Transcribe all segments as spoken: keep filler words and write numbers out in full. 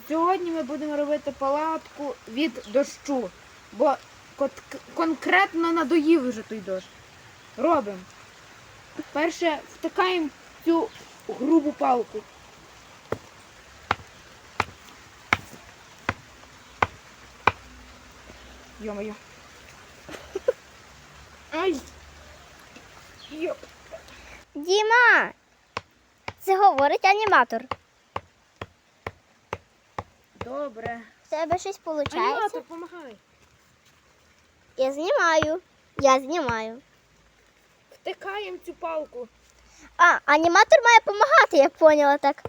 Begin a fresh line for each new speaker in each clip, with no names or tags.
Сьогодні ми будемо робити палатку від дощу, бо конкретно надоїв вже той дощ. Робимо. Перше втикаємо цю грубу палку. Йо-моє. Ай! Йо.
Діма! Це говорить аніматор.
Добре.
В тебе щось виходить?
Аніматор, помагай.
Я знімаю. Я знімаю.
Втикаємо цю палку.
А, аніматор має допомагати, я поняла так.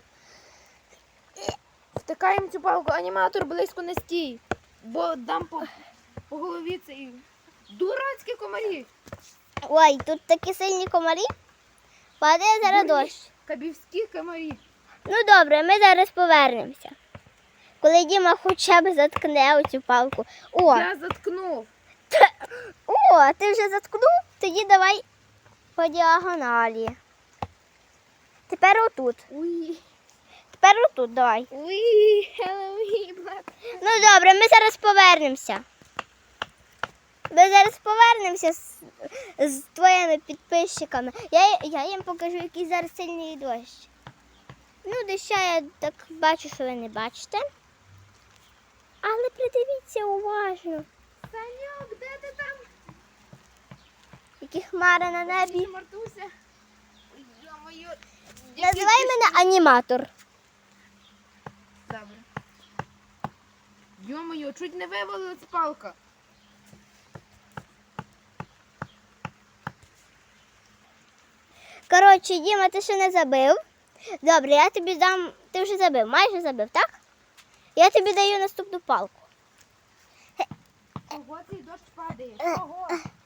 Втикаємо цю палку. Аніматор близько не стій, бо дам по, по голові цей дурацькі комарі.
Ой, тут такі сильні комарі. Падає зараз
Дурні
дощ.
Кабівські комарі.
Ну добре, ми зараз повернемося. Коли Діма хоча б заткне оцю палку. О,
Я заткнув.
о, ти вже заткнув? Тоді давай по діагоналі. Тепер отут.
Уй.
Тепер отут давай.
Уй, Хеллоуін.
Ну добре, ми зараз повернемося. Ми зараз повернемося з, з твоїми підписчиками. Я, я їм покажу, який зараз сильний дощ. Ну, доща я так бачу, що ви не бачите. Але придивіться уважно.
Саньок, де ти там?
Які хмари на небі.
Мартуся. Йо-моє.
Називай мене аніматор.
Добре. Йо-моє, чуть не вивалилась палка.
Коротше, Діма, ти ще не забив. Добре, я тобі дам. Ти вже забив, майже забив, так? Я тобі даю наступну палку.
Ого, цей дощ падає. Ого.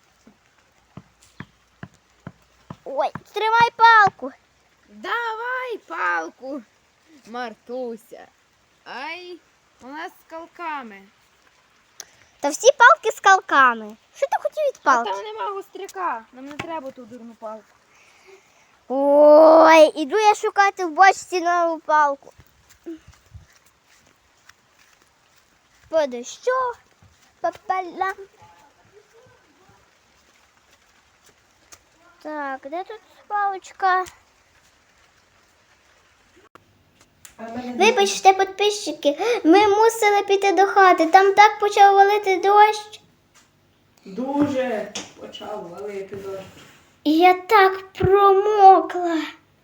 Ой, тримай палку.
Давай палку, Мартуся. Ай, у нас з калками.
Та всі палки з калками. Що ти хотів від
А
палки?
там нема гостряка. Нам не треба ту дурну палку.
Ой, іду я шукати в бочці нову палку. По дощу, попала. Так, де тут палочка? Вибачте, підписчики, ми мусили піти до хати. Там так почав валити дощ.
Дуже почав валити дощ.
І я так промокла.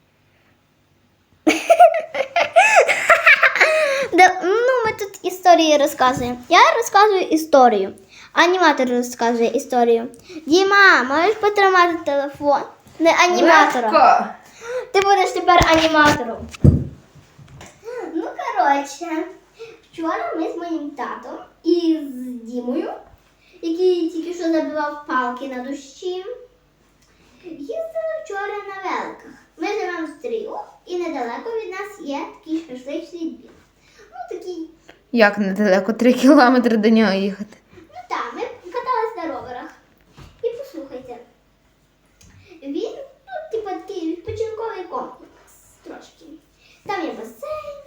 Да, ну, ми тут історії розказуємо. Я розказую історію. Аніматор розказує історію. Діма, можеш потримати телефон? Не аніматором.
Легко.
Ти будеш тепер аніматором. Ну, коротше, вчора ми з моїм татом і з Дімою, який тільки що забивав палки на дощі, їздили вчора на великах. Ми живемо в Стрію, і недалеко від нас є такий шашличний двір. Ну, такий,
Як недалеко? Три кілометри до нього їхати.
ну так, ми катались на роверах. І послухайте, він, ну, типу, такий відпочинковий комплекс трошки. Там є басейн,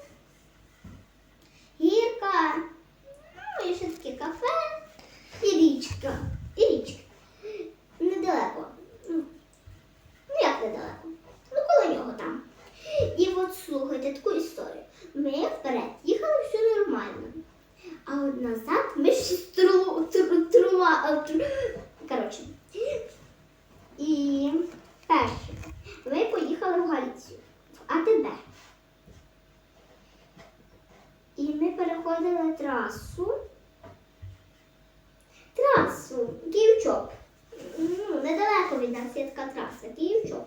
гірка, ну, і ще таке кафе, і річка, і річка. Недалеко. Ну, ну як недалеко? Ну, коло нього там. І от слухайте таку історію. Ми вперед їхали, все нормально. А от назад ми ще стру, тру, трума, тру, коротше. І перше, ми поїхали в Галицію, в А Т Б. І ми переходили трасу. Трасу, Київ-Чоп. Ну, недалеко від нас є така траса, Київ-Чоп.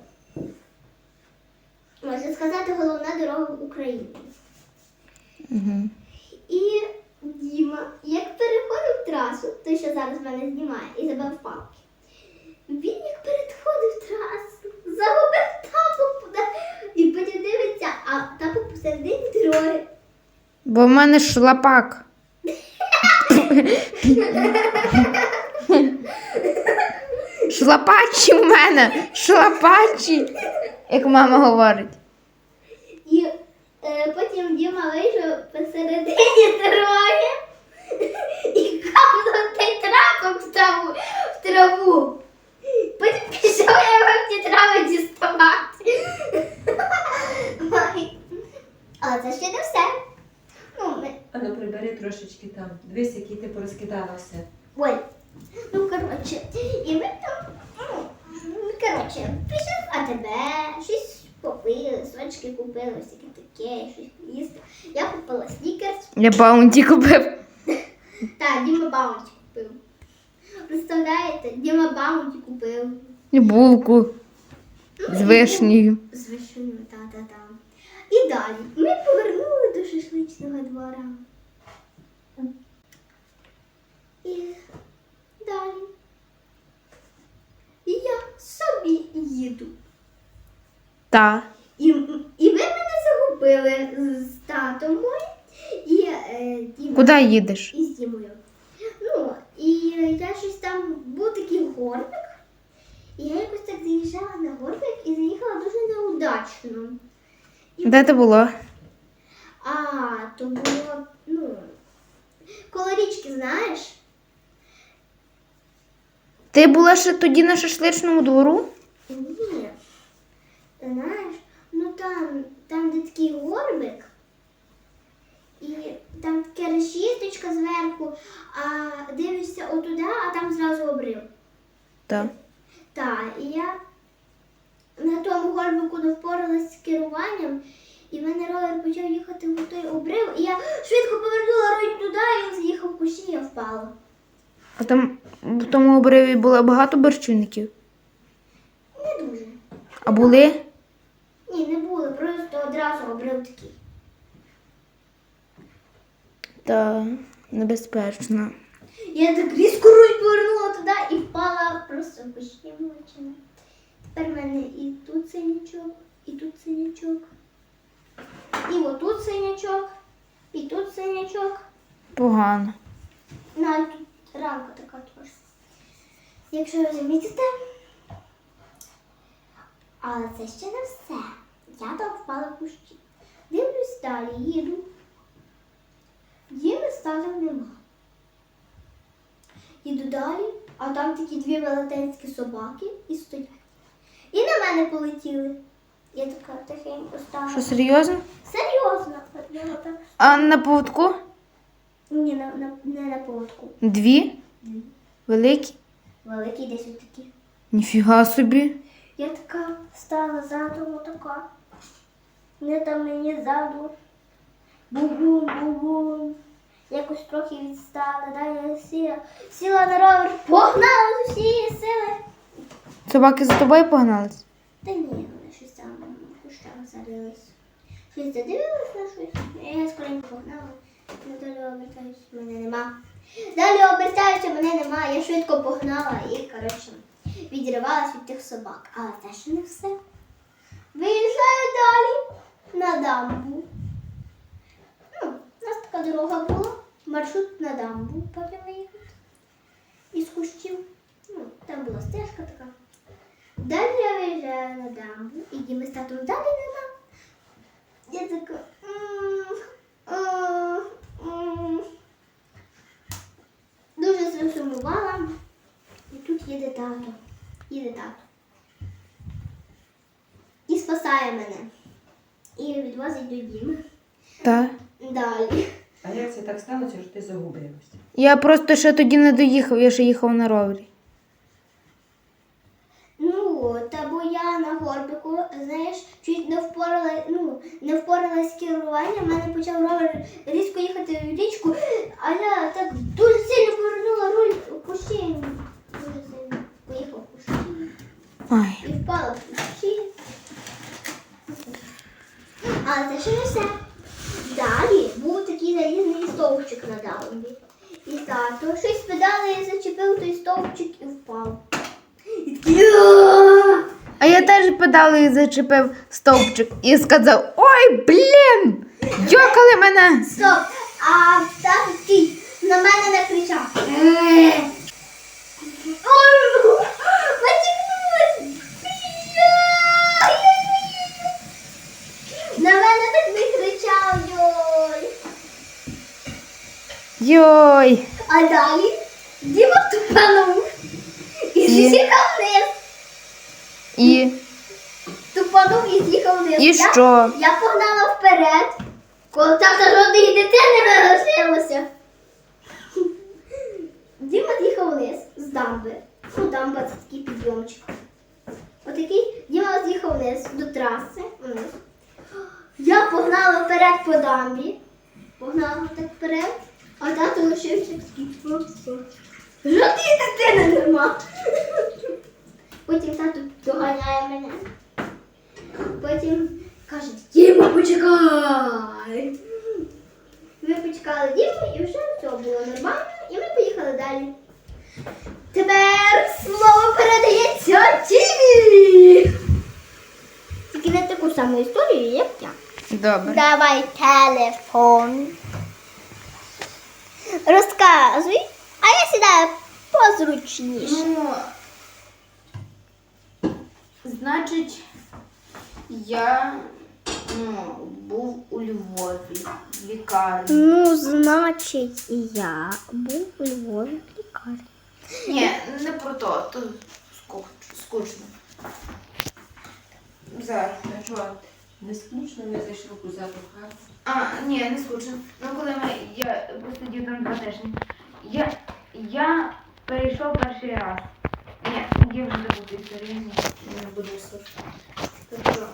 Можна сказати, головна дорога в Україні.
Угу.
І Діма, як переходив трасу, той, що зараз мене знімає, і забив палки, він як переходив трасу, загубив тапок і потім дивиться, а тапок посередині дороги.
Бо в мене шлапак. Шлапачі в мене. Шлапачі, як мама говорить.
І е, потім Діма вийшов посередині троє і капнув той трапок в траву. В траву. Потім пішов я вам ті трави діставати. Ой. Але це ще не все. Ну, ми...
А ну прибери трошечки там. Дивись, який ти порозкидала все.
Ой. Ну, коротше. І ми там, ну, ну, коротше, пішли в АТБ, щось попили, сочки купили, всяке таке, щось їсти. Я купила снікерс.
Я баунті купив.
Так, Діма Баунті купив. Представляєте, Діма Баунті купив.
І булку
Ну,
з
і
вишнею.
З вишнею, та-та-та. І далі. Ми повернули до шашличного двора. І далі. І я собі їду.
Та.
І, і ви мене загубили з татом моїм і е, Дімою.
Куди їдеш?
І з Дімою. Ну, і я щось там, був такий горбик, і я якось так заїжджала на горбик і заїхала дуже неудачно. І,
Де ти було?
а, то було, ну, коло річки, знаєш?
Ти була ще тоді на шашличному двору?
Ні. Знаєш, ну там, там де такий горбик, і там таке решіточка зверху, а дивишся отуди, а там зразу обрив.
Так.
Так, і я на тому горбику не впоралась з керуванням, і в мене ровер почав їхати в той обрив, і я швидко повернула руль туди, і він з'їхав в кущі, і я впала.
А там в тому обриві було багато борщівників?
Не дуже.
А були?
Ні, не було, просто одразу обрив такий.
Та небезпечно.
Я так різко руль повернула туди і впала просто в кущі молочини. Тепер в мене і тут синячок, і тут синячок, і отут синячок, і тут синячок.
Погано.
Навіть тут рамка така трошки. Якщо ви замітите. Але це ще не все. Я там впала в кущі. Дивлюсь далі, їду. Діми статів нема. Їду далі, а там такі дві велетенські собаки і стоять. І на мене полетіли. Я така тихенько стала.
Що, серйозно?
Серйозно. Я отак.
А на поводку?
Ні, на, на, не на поводку.
Дві? Великі?
Великий десь отакі.
Ніфіга собі.
Я така стала задом отака. Не там мені ззаду. Бу-бум, бу-бум. Якось трохи відстала. Далі я сіла, сіла на ровер, погнала з усієї сили.
Собаки за тобою погнались?
Та ні, вони щось там в кущах зарились. Щось задивилась на щось. Я скоренько погнала. Ну, далі обертаюся, мене нема. Далі обертаюся, мене нема. Я швидко погнала і, коротше, відривалась від тих собак. Але це ще не все. Виїжджаю далі на дамбу. Ну, у нас така дорога була. Маршрут на дамбу потім виїхати. Із кущів. Ну, там була стежка така. Далі я виїжджаю на дамбу, і Діми з татом далі нема. Я така. м, м, м. Дуже засумувала. І тут їде тато. Їде тато. І спасає мене. І відвозить до Діми.
Так.
Далі.
А як це так сталося, що ти загубилася?
Я просто ще тоді не доїхав, я ще їхав на ровері.
Ну, та бо я на горбику, знаєш, чуть не впорала, ну, не впоралась з керуванням, в мене почав ровер різко їхати в річку, а я так дуже сильно повернула руль у кущі. Дуже сильно поїхав в кущі.
Ай.
І впала в кущі. Але це ще не все. Далі був такий залізний стовпчик на дамбі. І тато щось педали зачепив той стовпчик і впав. І такий «Ааа!»
А я теж педалею зачепив стовпчик і сказав: ой, блін! Йокали мене!
Стоп! А тато такий на мене не кричав. «Е!» Ой, потягнулась! На мене так не кричав, йой!
Йой!
А далі Діма тупанув і
І?
з'їхав вниз.
І,
Тупанув і з'їхав вниз.
і
Я-
що?
Я погнала вперед, коли тата жодної дитини не лишилося. Діма з'їхав вниз з дамби. Ну, дамба це такий підйомчик. Отакий Діма з'їхав вниз до траси. Вниз. Я погнала вперед по дамбі. Погнала так вперед, а тато лишився такий. Жодної дитини нема. Потім тато доганяє мене. Потім каже, Діма, почекай. Ми почекали Діму і вже все було нормально, і ми поїхали далі. Тепер слово передається Дімі. Тільки не таку саму історію, як я.
Добре.
Давай телефон. Розказуй, а я сідаю позручніше.
Ну, значить, я ну, був у Львові в лікарні.
Ну, значить, я був у Львові в лікарні.
Ні, не про то, то скуч- скучно. Зараз.
А що, не скучно, ми зайшли у кузату хату.
А, ні, не скучно. Ну коли ми, я посидів там два тижні. Я, я перейшов перший раз. Ні, я вже забуду історію, ні, не буду слухати. Тобто,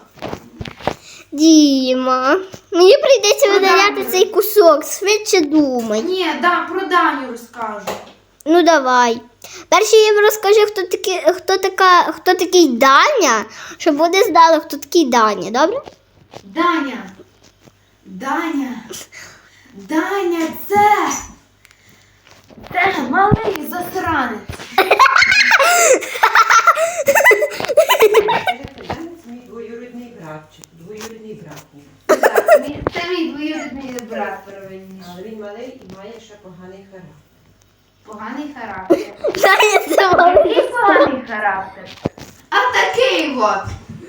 Діма, мені прийдеться
Ну,
видаляти
добре.
цей кусок, швидше думай.
ні, да, про Даню розкажу.
Ну давай. Перше я їм розкажу, хто такий, хто така, хто такий Даня, щоб вони знали, хто такий Даня, добре?
Даня! Даня! Даня, це! Це малий засранець.
Це мій двоюрідний братчик, двоюрідний брат мій.
Так, мій- Це мій двоюрідний брат правильніше.
Але він малий і має ще поганий характер.
Поганий характер.
Даня це
Який поганий характер? А такий от.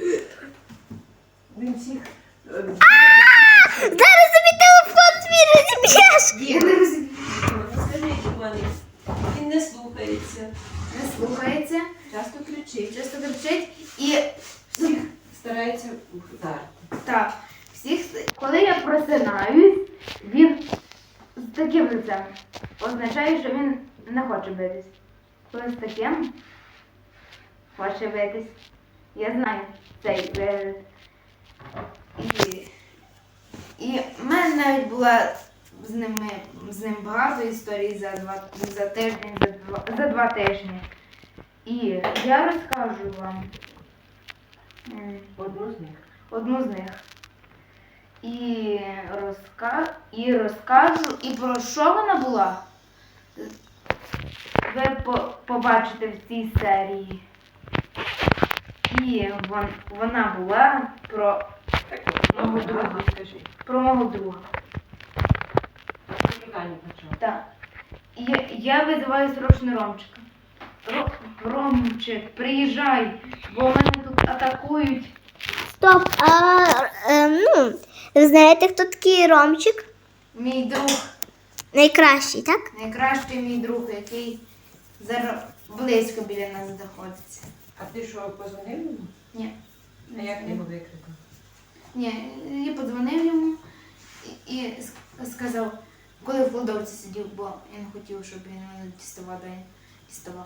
Він всіх... е,
Зараз тобі телефон твій розіб'єш.
Я не розумію.
Скажіть, пане, він не слухається,
Не слухається,
часто кричить,
часто кричить і
всіх старається вдарити.
так, всіх, коли я просинаюсь, він з таким лицем означає, що він не хоче битись. Коли з таким хоче битись. Я знаю цей вираз. І, і в мене навіть була з ними з ним багато історій за два за тиждень, за два за два тижні. І я розкажу вам м,
Одну з них.
одну з них. І, розка... і розкажу, і про що вона була, ви по... побачите в цій серії. І вон... вона була про мого друга.
Скажи.
Про мого друга.
Питання почав.
Так. І я, я визиваю срочно Ромчика. Ро... Ромчик, приїжджай, бо мене тут атакують.
Стоп, а е, ну, ви знаєте, хто такий Ромчик?
Мій друг.
Найкращий, так?
Найкращий мій друг, який зараз близько біля нас знаходиться.
А ти що, позвонив йому?
Ні.
А як ти його викликав?
Ні, я подзвонив йому і, і с- сказав, коли в кладовці сидів, бо я не хотів, щоб він мене діставав, де я діставав.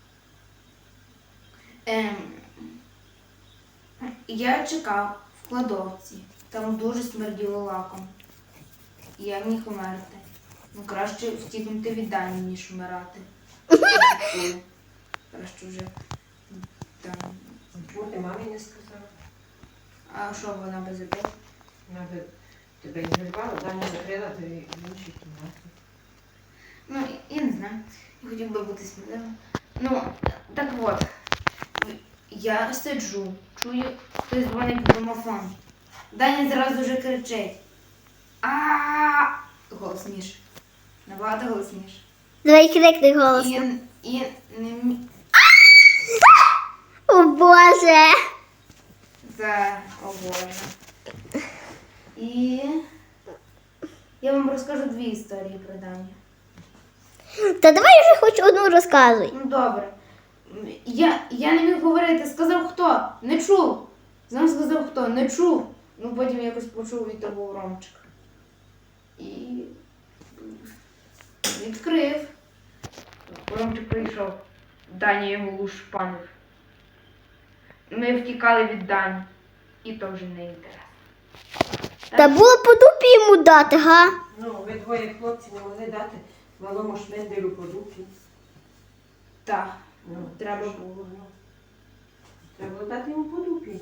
Ем, я чекав в кладовці, там дуже смерділо лаком. І я міг умерти. Ну, краще втікнути від Дані, ніж вмирати. Краще вже там.
Чому ти мамі не сказав?
А що вона без обіду?
Вона би тебе ігнорувала, Даня закрила тебе в іншій кімнаті.
Ну, я не знаю. Я хотів би бути сміливим. Ну, так от. Я сиджу, чую, хтось дзвонить в домофон. Даня зразу вже кричить. А голосніше. Набагато голосніше.
Давай крикни голосно.
І, і не мі-
О Боже!
Це обожно. І я вам розкажу дві історії про Даню.
Та давай вже хоч одну розказуй.
Ну добре. Я, я не міг говорити, сказав хто? Не чув. Знов сказав хто? Не чув. Ну потім якось почув і то був Ромчик. І відкрив. Ромчик прийшов. Даня його лушпанив. Ми втікали від Дані. І то вже не інтересно.
Та було по дупі йому дати, га?
Ну, ви двоє хлопці не могли дати малому шменделю по дупі.
Так,
Ну,
треба
що?
було.
Ну, треба було дати йому по дупі.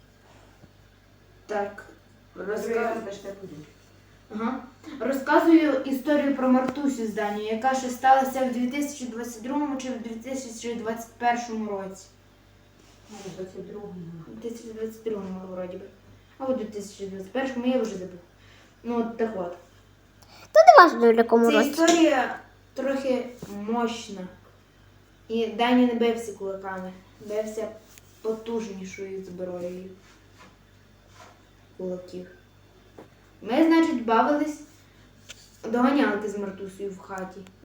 Так.
Другий раз
Розказ...
даште по дупі.
Ага. Розказую історію про Мартусю з Данію, яка ще сталася в дві тисячі двадцять другому чи в дві тисячі двадцять першому році.
Ну, двадцять другому.
У дві тисячі двадцять другому вроді би. Або у дві тисячі двадцять першому, я вже забув. Ну, от так от.
То не важливо в якому
Ця
році.
історія трохи мощна. І Даня не бився кулаками, бився потужнішою зброєю кулаків. Ми, значить, бавились доганялки з Мартусею в хаті.